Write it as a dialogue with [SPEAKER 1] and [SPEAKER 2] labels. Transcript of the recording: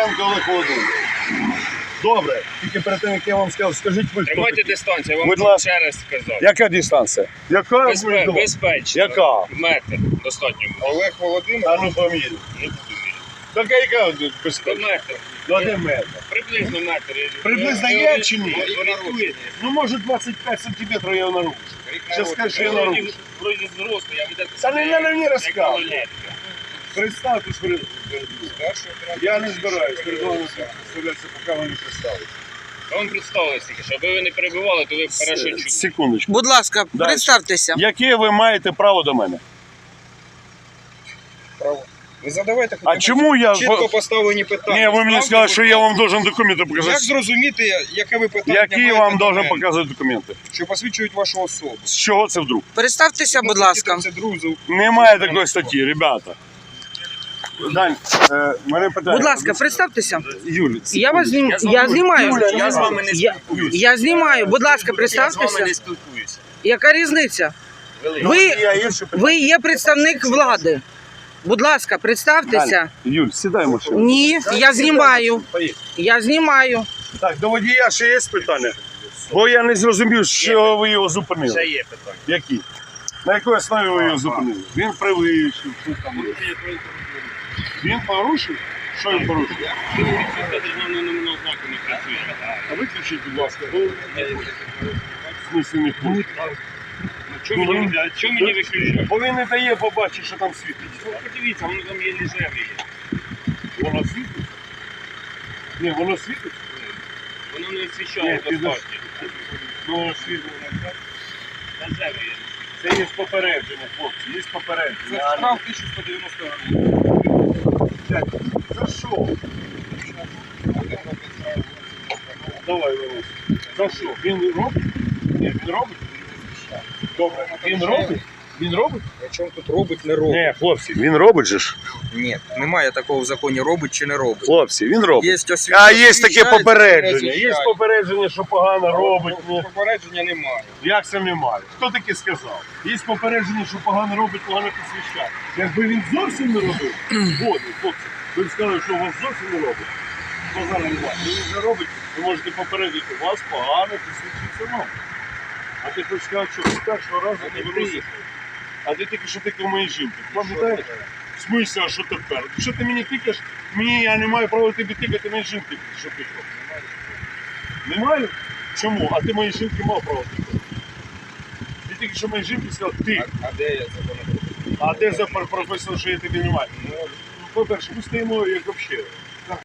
[SPEAKER 1] Кириленко Олег Володимирович. Добре, тільки перед тим, як я вам сказав, скажіть ви, хто
[SPEAKER 2] Тримайте
[SPEAKER 1] такий?
[SPEAKER 2] дистанцію, я вам
[SPEAKER 1] Будь ласка.
[SPEAKER 2] ще раз сказав.
[SPEAKER 1] Яка дистанція? Яка?
[SPEAKER 2] Безпечно.
[SPEAKER 1] Яка?
[SPEAKER 2] Метр достатньо.
[SPEAKER 3] Олег Володимирович.
[SPEAKER 1] А ну поміряй.
[SPEAKER 2] Не буду міряти.
[SPEAKER 1] Так яка
[SPEAKER 2] До
[SPEAKER 1] безпечна?
[SPEAKER 2] метр.
[SPEAKER 1] Ну, один метр.
[SPEAKER 2] Приблизно метр.
[SPEAKER 1] Приблизно є чи ні?
[SPEAKER 2] Орієнтуєте.
[SPEAKER 1] Ну, може 25 сантиметрів я нарушу. Зараз скажу, що я нарушу.
[SPEAKER 2] Вроді взрослий, а ви так...
[SPEAKER 1] Та не надо мені
[SPEAKER 2] як
[SPEAKER 1] розказувати.
[SPEAKER 2] малолетка.
[SPEAKER 1] Представтесь перед мною. Я не збираюсь перед вами представлятися, поки ви не представитесь.
[SPEAKER 2] Вам представилось тільки, що аби ви не перебивали, то ви б хорошо чули.
[SPEAKER 1] Секундочку.
[SPEAKER 4] Будь ласка,
[SPEAKER 1] Дальше.
[SPEAKER 4] представтеся.
[SPEAKER 1] Яке ви маєте право до мене?
[SPEAKER 3] Право. Ви задавайте
[SPEAKER 1] А чому я...
[SPEAKER 3] чітко поставлені питання.
[SPEAKER 1] Ні, ви мені
[SPEAKER 3] Ставте,
[SPEAKER 1] сказали, що
[SPEAKER 3] будь
[SPEAKER 1] я
[SPEAKER 3] ласка.
[SPEAKER 1] вам должен документи
[SPEAKER 3] Як
[SPEAKER 1] показати.
[SPEAKER 3] зрозуміти, яке ви питання
[SPEAKER 1] Які
[SPEAKER 3] маєте
[SPEAKER 1] вам
[SPEAKER 3] до
[SPEAKER 1] должен
[SPEAKER 3] мене?
[SPEAKER 1] показати документи?
[SPEAKER 3] Що посвідчують вашу особу.
[SPEAKER 1] З чого це вдруг?
[SPEAKER 4] Представтеся, будь ласка.
[SPEAKER 3] Це друзі.
[SPEAKER 1] Немає такої статті, ребята. Дань, мене питання.
[SPEAKER 4] Будь ласка, представтеся.
[SPEAKER 1] Юль,
[SPEAKER 4] Я вас я знімаю.
[SPEAKER 1] Юля,
[SPEAKER 2] Я з вами не
[SPEAKER 4] Я-
[SPEAKER 2] спілкуюся.
[SPEAKER 4] Я знімаю. Будь ласка,
[SPEAKER 2] Я з вами
[SPEAKER 4] представтеся.
[SPEAKER 2] не спілкуюся.
[SPEAKER 4] Яка різниця?
[SPEAKER 2] Велика.
[SPEAKER 4] Ви є представник влади. Будь ласка, представтеся.
[SPEAKER 1] Юль, сідай в машину.
[SPEAKER 4] Ні, я знімаю.
[SPEAKER 1] Поїхали.
[SPEAKER 4] Я знімаю.
[SPEAKER 1] Так, до водія ще є питання? Бо я не зрозумів, що ви його зупинили.
[SPEAKER 2] Ще є питання.
[SPEAKER 1] Які? На якій основі ви його зупинили? Він перевищив, що там. Він порушив? Що він порушив?
[SPEAKER 2] Державного номерного знаку не працює.
[SPEAKER 1] А виключіть, будь ласка, бо в смысле не хоче.
[SPEAKER 2] Чому мені виключати?
[SPEAKER 1] Бо він не дає побачити, що там світить.
[SPEAKER 2] Подивіться, воно там є лежеві.
[SPEAKER 1] Воно світить? Ні, воно світить?
[SPEAKER 2] Воно не освіщає
[SPEAKER 1] Ні, підеш.
[SPEAKER 2] достатньо.
[SPEAKER 1] Ну, воно світить.
[SPEAKER 2] Лежеві є.
[SPEAKER 1] Це є попередження, хлопці, є попередження.
[SPEAKER 3] Це штраф 1190 гривень.
[SPEAKER 1] За що? Давай, Ларис. За що? Він робить? Ні, він робить? Добре. Він робить? Він робить?
[SPEAKER 3] Причому тут робить, не робить.
[SPEAKER 1] Ні, хлопці, він робить же ж.
[SPEAKER 3] Ні, немає такого в законі робить чи не робить.
[SPEAKER 1] Хлопці, він робить.
[SPEAKER 3] Є
[SPEAKER 1] А є таке
[SPEAKER 3] освіщається,
[SPEAKER 1] попередження.
[SPEAKER 3] не
[SPEAKER 1] Є
[SPEAKER 3] освіщається.
[SPEAKER 1] попередження, що погано робить. Ні.
[SPEAKER 3] Попередження немає.
[SPEAKER 1] Як це немає? Хто таке сказав? Є попередження, що погано робить, погано посвящає. Якби він зовсім не робив, згодний, хлопці, ви б сказали, що у вас зовсім не робить. Базара немає. Він вже робить, ви можете попередити, у вас погано посвідчується нам. А ти хочеш сказати, що з першого разу не виносиш. А ти тільки що тикав моїй жінки. Пам'ятаєш? В смислі, а що тепер? Що ти мені тикаєш? Я не маю права тобі тикати моїй жінки, що тикав. Не маю? Чому? А ти моїй жінки мав право тикати. Ти тільки що моїй жінки сказав, ти.
[SPEAKER 3] А де я законодавство?
[SPEAKER 1] А де прописано, що я тобі не маю? Ну, по-перше, ми стоїмо як взагалі.